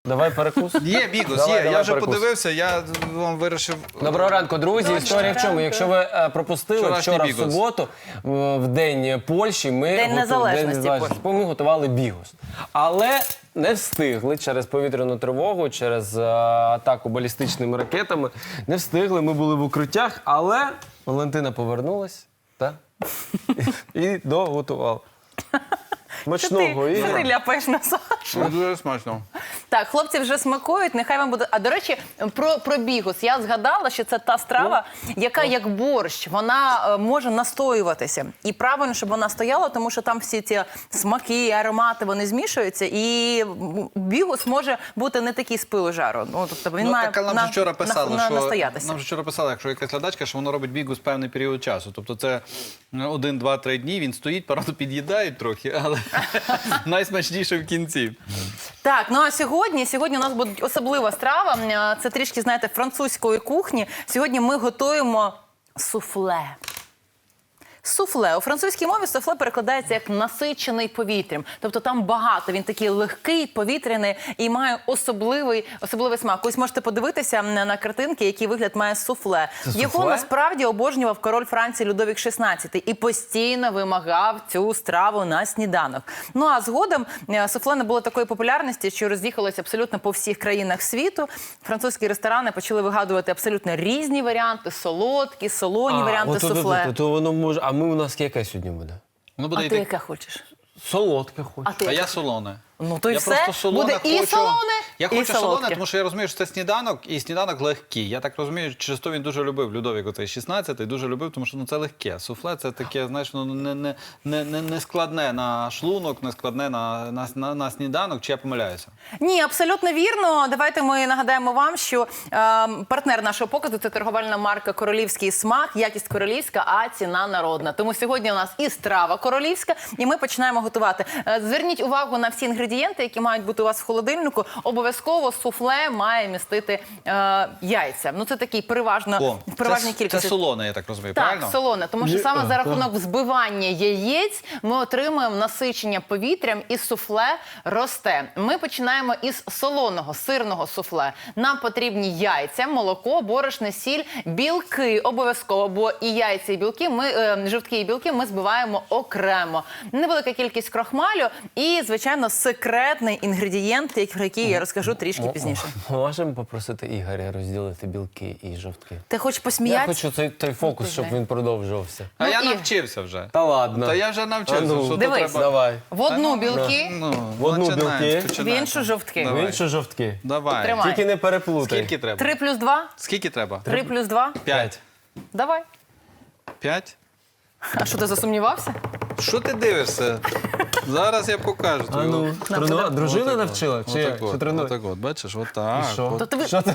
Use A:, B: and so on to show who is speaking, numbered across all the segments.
A: Давай перекус.
B: Є бігус,
A: Давай,
B: є. Я вже
A: перекус.
B: подивився, я вам вирішив...
A: Доброго ранку, друзі. Історія в чому? Якщо ви пропустили
B: Вчорашній
A: вчора в
B: бігус.
A: суботу, в День Польщі,
C: День Незалежності
A: ми готували бігус. Але не встигли через повітряну тривогу, через атаку балістичними ракетами. Не встигли, ми були в укриттях, але Валентина повернулась і доготувала. Смачного,
C: Що ти
A: Ігор.
C: ляпаєш на Сашу?
B: Дуже смачно.
C: Так, хлопці вже смакують, нехай вам буде. А до речі, про бігус. Я згадала, що це та страва, яка як борщ, вона може настоюватися. І правильно, щоб вона стояла, тому що там всі ці смаки, аромати, вони змішуються. І бігус може бути не такий з пилу жару. Ну, тобто він має
B: так, нам же вчора писали,
C: настоятися.
B: нам же вчора писали, якщо якась глядачка, що воно робить бігус певний період часу. Тобто це 1, 2, 3 дні, він стоїть, правда, під'їдають трохи, але найсмачніше в кінці.
C: Так, ну а сьогодні у нас буде особлива страва. Це трішки, знаєте, французької кухні. Сьогодні ми готуємо суфле. Суфле. У французькій мові суфле перекладається як насичений повітрям. Тобто там багато, він такий легкий, повітряний і має особливий смак. Ось можете подивитися на картинки, який вигляд має суфле. Його насправді обожнював король Франції Людовік XVI і постійно вимагав цю страву на сніданок. Ну а згодом суфле не було такої популярності, що роз'їхалося абсолютно по всіх країнах світу. Французькі ресторани почали вигадувати абсолютно різні варіанти, солодкі, солоні варіанти суфле.
A: То воно може... А у нас яке сьогодні буде?
B: Воно буде
C: А ти яке хочеш?
A: Солодке хочу.
C: А
B: А я солоне.
C: Ну то й
B: Я
C: все.
B: просто солоне
C: Буде і
B: хочу.
C: солоне,
B: Я
C: і
B: хочу солоне,
C: солодке.
B: тому що я розумію, що це сніданок, і сніданок легкий. Я так розумію, через то він дуже любив, Людовік оцей 16-й, дуже любив, тому що це легке. Суфле це таке, знаєш, не складне на шлунок, не складне на сніданок, чи я помиляюся?
C: Ні, абсолютно вірно. Давайте ми нагадаємо вам, що партнер нашого показу – це торговельна марка «Королівський смак», якість королівська, а ціна народна. Тому сьогодні у нас і страва королівська, і ми починаємо готувати. Зверніть увагу на всі інгредієнти, які мають бути у вас в холодильнику. Обов'язково суфле має містити яйця. Ну це такий переважній кількості.
B: Це солоне, я так розумію,
C: Так,
B: правильно?
C: солоне, тому що саме за рахунок взбивання яєць ми отримуємо насичення повітрям і суфле росте. Ми починаємо із солоного, сирного суфле. Нам потрібні яйця, молоко, борошно, сіль, білки обов'язково, бо і яйця, і білки, жовтки і білки ми збиваємо окремо. Невелика кількість крохмалю і, звичайно, секретний інгредієнт, про який я розкажу трішки пізніше.
A: Можемо попросити Ігоря розділити білки і жовтки?
C: Ти хочеш
A: Я
C: посміятися?
A: хочу той фокус, щоб він продовжувався.
B: А
C: Ну,
B: я
C: і-
B: навчився вже.
A: Та ладно.
B: Та я вже навчився,
A: А ну,
B: що то
C: дивись.
B: треба...
A: Давай.
C: В одну білки,
A: В одну
B: починаємо,
A: білки,
C: в
B: починаємо.
C: іншу жовтки.
A: В
B: Давай.
A: іншу жовтки.
B: Давай.
C: Тримай.
A: Тільки не переплутай.
B: Скільки треба?
C: 3 плюс 2?
B: Скільки треба?
C: 3 плюс 2?
B: 5.
C: Давай.
B: 5?
C: А що, ти засумнівався?
B: Що ти дивишся? Зараз я покажу.
A: А ну, дружина навчила? Чи як? Чи тренує?
B: Отак от, бачиш, отак.
A: Що?
C: То ти...
A: Що ти?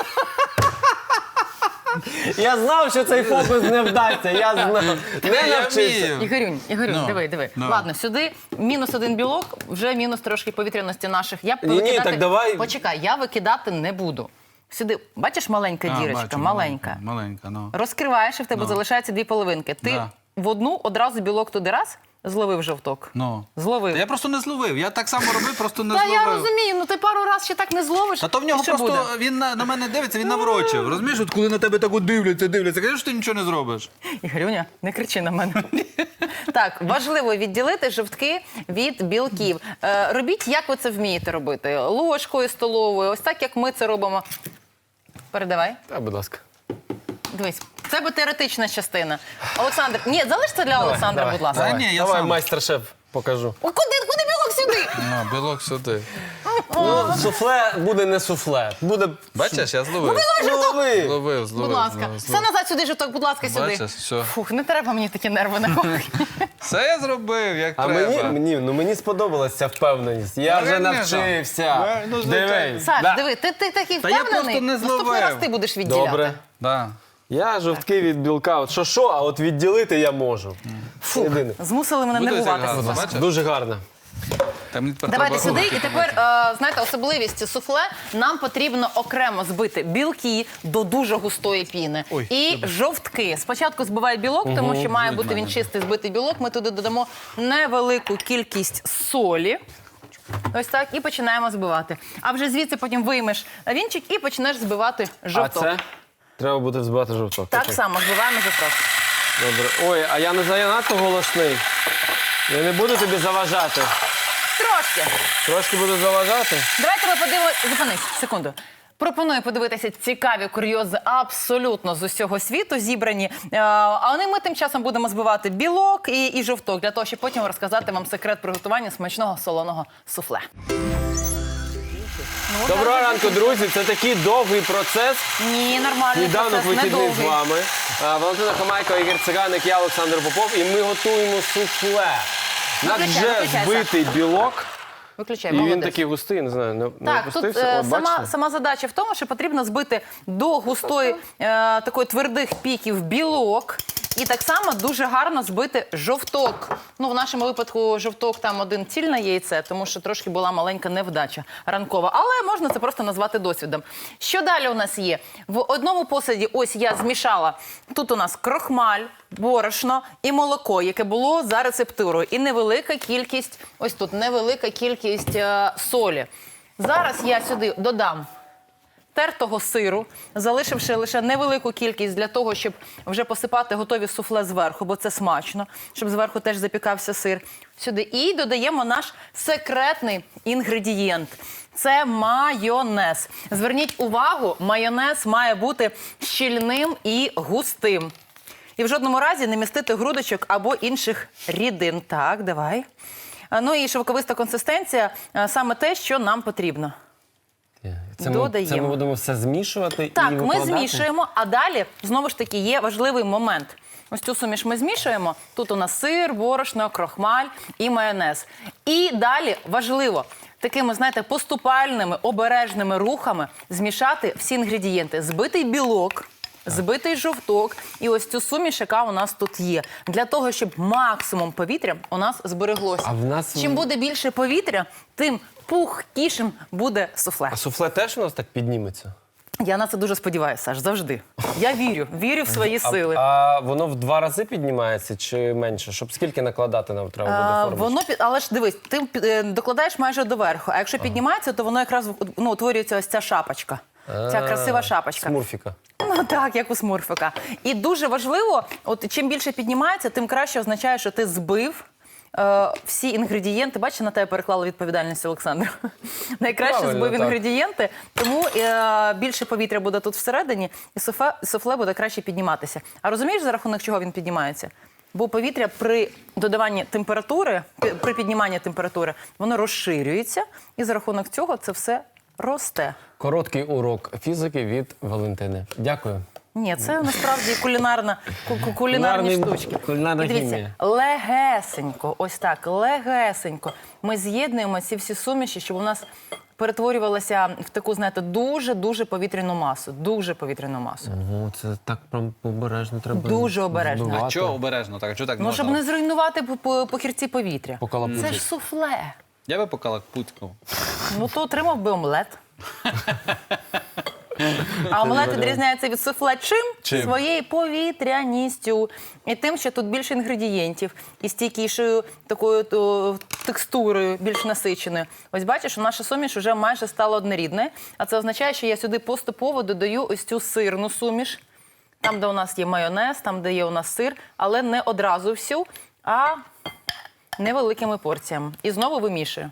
A: Я знав, що цей фокус не вдасться. Я знав. Не навчився.
B: вмію.
C: Ігорюнь,
B: Ну,
C: диви.
B: ну.
C: Ладно, сюди мінус 1 білок, вже мінус трошки повітряності наших. Я
A: Ні, так давай.
C: Почекай, я викидати не буду. Сюди, бачиш, маленька дірочка,
B: бачу,
C: маленька.
B: Маленька, ну.
C: Розкриваєш, і в тебе залишається 2 половинки. Ти
B: Да.
C: в одну одразу білок туди раз, зловив жовток.
B: Ну.
C: Зловив.
B: Та я просто не зловив. Я так само робив, просто не
C: Та
B: зловив.
C: я розумію, ну ти пару раз ще так не зловиш.
B: А то в нього
C: і що
B: просто,
C: буде?
B: він на мене дивиться, він наврочив. Розумієш, от коли на тебе так от дивляться, кажеш, що ти нічого не зробиш.
C: Ігорюня, не кричи на мене. Так, важливо відділити жовтки від білків. Робіть, як ви це вмієте робити. Ложкою столовою, ось так, як ми це робимо. Передавай.
A: Та, будь ласка.
C: Дивись, це би теоретична частина. Олександр, ні, залиш це для Олександра,
A: Давай,
C: будь ласка.
B: Та ні, я
A: Давай,
B: сам.
A: майстер-шеф, покажу.
C: О, куди білок сюди?
B: Ну, білок сюди.
A: Ну, суфле буде не суфле. Буде...
B: Бачиш, я зловив.
A: Лови.
B: Зловив.
C: Будь ласка. Все назад сюди, жовток, будь ласка, сюди.
B: Бачиш, все.
C: Фух, не треба мені такі нерви на кухні.
B: Все я зробив, як
A: А
B: треба.
A: мені сподобалась ця впевненість. Я вже
B: Реально?
A: навчився.
B: Ну, звичайно.
A: Дивись.
C: Саш,
A: Да.
C: диви, ти такий
B: Та я
C: впевнений.
B: просто не
C: Наступний
B: зловив.
C: раз ти будеш відділяти.
A: Добре.
B: Да.
A: Я жовтки від білка. От що, а от відділити я можу.
C: Фух,
A: Єдине.
C: змусили мене
B: Буде
C: нервуватися.
B: гарно,
C: Саш.
B: бачиш?
A: Дуже гарно.
B: Та мені тепер
C: Давайте
B: треба
C: сюди.
B: руки
C: І тепер, знаєте, особливість суфле. Нам потрібно окремо збити білки до дуже густої піни.
B: Ой,
C: І жовтки. Спочатку збивай білок, тому що має бути він чистий збитий білок. Ми туди додамо невелику кількість солі. Ось так, і починаємо збивати. А вже звідси потім виймеш вінчик і почнеш збивати жовток.
A: А це? Треба буде взбивати жовток.
C: Так
A: Окей.
C: само збиваємо жовток.
A: Добре. Ой, а я не занадто голосний. Я не буду тобі заважати.
C: Трошки.
A: Трошки буду заважати.
C: Давайте ми подивимося. Зупинись, секунду. Пропоную подивитися цікаві курйози абсолютно з усього світу зібрані. А ми тим часом будемо збивати білок і жовток, для того, щоб потім розказати вам секрет приготування смачного солоного суфле. Ну,
A: Доброго
C: так,
A: ранку, друзі. Це такий довгий процес.
C: Ні, нормальний
A: Сніданок
C: процес,
A: вихідний з
C: недовгий.
A: вами. Валентина Хамайко, Ігор Циганик, я Олександр Попов. І ми готуємо суфле. У нас вже
C: Виключайся.
A: збитий білок.
C: Виключай,
A: І він
C: молодець.
A: такий густий, не знаю, не
C: Так, тут
A: опустився. От, бачите?
C: сама задача в тому, що потрібно збити до густої, такої твердих піків білок. І так само дуже гарно збити жовток. Ну, в нашому випадку жовток там один цільне яйце, тому що трошки була маленька невдача ранкова. Але можна це просто назвати досвідом. Що далі у нас є? В одному посуді ось я змішала. Тут у нас крохмаль, борошно і молоко, яке було за рецептурою. І невелика кількість, ось тут невелика кількість солі. Зараз я сюди додам тертого сиру, залишивши лише невелику кількість для того, щоб вже посипати готові суфле зверху, бо це смачно, щоб зверху теж запікався сир. Сюди. І додаємо наш секретний інгредієнт. Це майонез. Зверніть увагу, майонез має бути щільним і густим. І в жодному разі не містити грудочок або інших рідин. Так, давай. Ну і шовковиста консистенція – саме те, що нам потрібно.
A: Це
C: додаємо.
A: ми будемо все змішувати і
C: Так, ми
A: викладати?
C: змішуємо, а далі, знову ж таки, є важливий момент. Ось цю суміш ми змішуємо. Тут у нас сир, борошно, крохмаль і майонез. І далі, важливо, такими, знаєте, поступальними, обережними рухами змішати всі інгредієнти. Збитий білок, збитий жовток і ось цю суміш, яка у нас тут є. Для того, щоб максимум повітря у нас збереглося.
A: А в нас-
C: Чим буде більше повітря, тим пухкішим буде суфле.
A: А суфле теж у нас так підніметься?
C: Я на це дуже сподіваюся, Саш, завжди. Я вірю в свої сили.
A: А воно в 2 рази піднімається чи менше? Щоб скільки накладати нам треба буде формочку?
C: Але ж дивись, ти докладаєш майже доверху, а якщо піднімається, то воно якраз утворюється ось ця шапочка. Ця красива шапочка.
A: Смурфіка.
C: Ну так, як у смурфика. І дуже важливо, от чим більше піднімається, тим краще означає, що ти збив всі інгредієнти. Бачиш, на тебе переклала відповідальність, Олександр. Найкраще
A: Правильно,
C: збив
A: так.
C: інгредієнти, тому більше повітря буде тут всередині, і суфле буде краще підніматися. А розумієш, за рахунок чого він піднімається? Бо повітря при додаванні температури, при підніманні температури, воно розширюється, і за рахунок цього це все росте.
A: Короткий урок фізики від Валентини. Дякую.
C: Ні, це насправді кулінарні
A: Кулінарний-
C: штучки.
A: кулінарна
C: І дивіться,
A: хімія.
C: легесенько, ось так, легесенько ми з'єднуємо ці всі суміші, щоб у нас перетворювалася в таку, знаєте, дуже повітряну масу. Дуже повітряну масу.
A: Ого, це так прям обережно треба.
C: Дуже обережно.
A: збивати.
B: А чого обережно так? Чого так не
C: Ну,
B: можна?
C: щоб не зруйнувати похірці повітря.
A: Покалапуцити.
C: Це ж суфле.
B: Я би покалакпуцькав.
C: Ну, то отримав би омлет. А омлет відрізняється від суфле чим?
B: Чим?
C: Своєю повітряністю. І тим, що тут більше інгредієнтів. І стійкішою такою текстурою, більш насиченою. Ось бачиш, наша суміш вже майже стала однорідною. А це означає, що я сюди поступово додаю ось цю сирну суміш. Там, де у нас є майонез, там, де є у нас сир. Але не одразу всю, а невеликими порціями. І знову вимішую.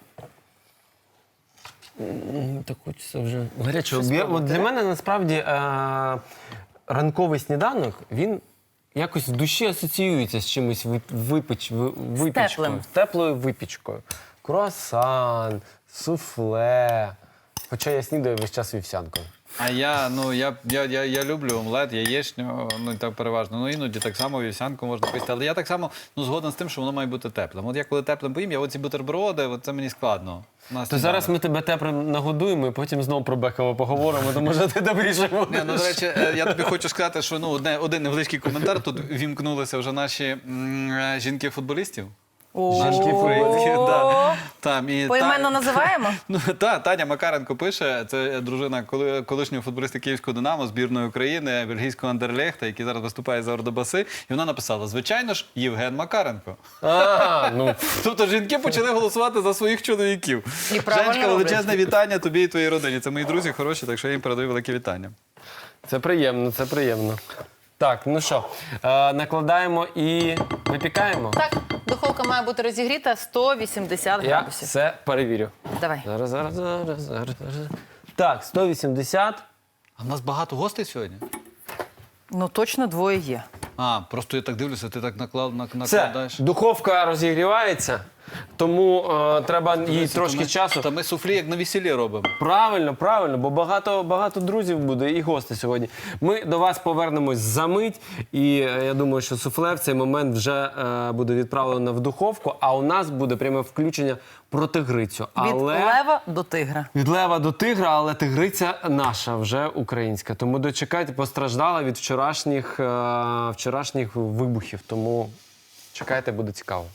A: Так хочеться вже гарячого. От для мене насправді ранковий сніданок, він якось в душі асоціюється з чимось випічкою.
C: теплим.
A: З теплою випічкою. Круасан, суфле. Хоча я снідаю весь час вівсянкою.
B: А я люблю омлет, яєчню, ну і так переважно. Ну іноді так само вівсянку можна поїсти. Але я так само згоден з тим, що воно має бути теплим. От я коли теплим поїм, я оці бутерброди, це мені складно.
A: То зараз ми тебе теплим нагодуємо і потім знову про Бекова поговоримо, то може ти добріше будеш.
B: Ні, ну, до речі, я тобі хочу сказати, що один невеличкий коментар. Тут вімкнулися вже наші жінки-футболістів.
A: Жінки футболістки,
C: О,
B: Там, і
C: Поіменно називаємо?
B: Ну, Таня Макаренко пише, це дружина колишнього футболіста Київського «Динамо», збірної України, бельгійського Андерлехта, який зараз виступає за Ордобаси. І вона написала, звичайно ж, Євген Макаренко.
A: Ну,
B: Тобто жінки почали голосувати за своїх чоловіків.
C: І правильно
B: Женечка,
C: роблять.
B: величезне вітання тобі і твоїй родині. Це мої друзі хороші, так що я їм передаю велике вітання.
A: це приємно, це приємно. Так, ну що, накладаємо і випікаємо?
C: Так, духовка має бути розігріта 180
A: Я
C: градусів.
A: все перевірю.
C: Давай.
A: Зараз. Так, 180.
B: А в нас багато гостей сьогодні?
C: Ну точно двоє є.
B: Просто я так дивлюся, ти так
A: Все,
B: накладаєш.
A: духовка розігрівається, тому треба їй трошки часу.
B: Та ми суфлі як на весіллі робимо.
A: Правильно, бо багато друзів буде і гостей сьогодні. Ми до вас повернемось за мить, і я думаю, що суфле в цей момент вже буде відправлено в духовку, а у нас буде пряме включення про тигрицю.
C: Від лева до тигра.
A: Від лева до тигра, але тигриця наша, вже українська. Тому дочекайте, постраждала від вчорашніх вибухів. Тому чекайте, буде цікаво.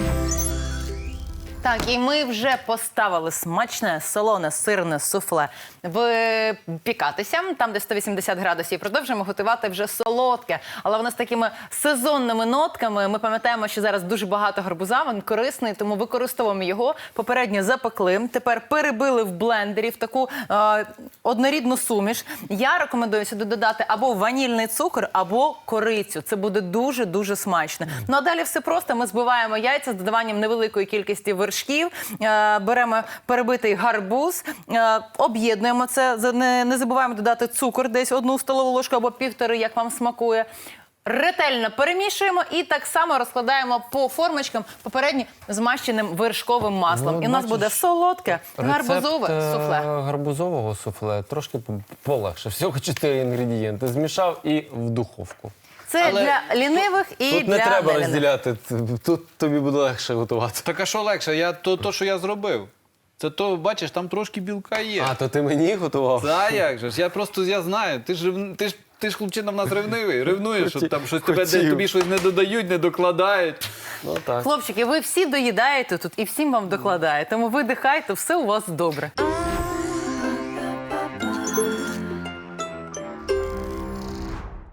C: Так, і ми вже поставили смачне, солоне, сирне суфле випікатися, там, де 180 градусів. Продовжуємо готувати вже солодке, але воно з такими сезонними нотками. Ми пам'ятаємо, що зараз дуже багато гарбуза, він корисний, тому використовуємо його. Попередньо запекли, тепер перебили в блендері в таку однорідну суміш. Я рекомендую сюди додати або ванільний цукор, або корицю. Це буде дуже-дуже смачно. Ну а далі все просто. Ми збиваємо яйця з додаванням невеликої кількості вершків, беремо перебитий гарбуз, об'єднуємо це, не забуваємо додати цукор, десь 1 столову ложку або 1,5, як вам смакує. Ретельно перемішуємо і так само розкладаємо по формочкам попередньо змащеним вершковим маслом.
A: Ну,
C: І у нас буде солодке гарбузове
A: Рецепт,
C: суфле.
A: гарбузового суфле трошки полегше. Всього 4 інгредієнти. Змішав і в духовку.
C: Це
B: Але
C: для лінивих і
A: Тут
C: для
A: не треба
C: нелінивих.
A: розділяти, тут тобі буде легше готувати.
B: Так а що легше? То, що я зробив. Це то, бачиш, там трошки білка є.
A: А, то ти мені готував?
B: Та як же ж? Я знаю. Ти ж хлопчина в нас ревнивий. Ревнуєш, що там щось тобі щось не додають, не докладають.
A: Ну так.
C: Хлопчики, ви всі доїдаєте тут і всім вам докладає. Тому видихайте, все у вас добре.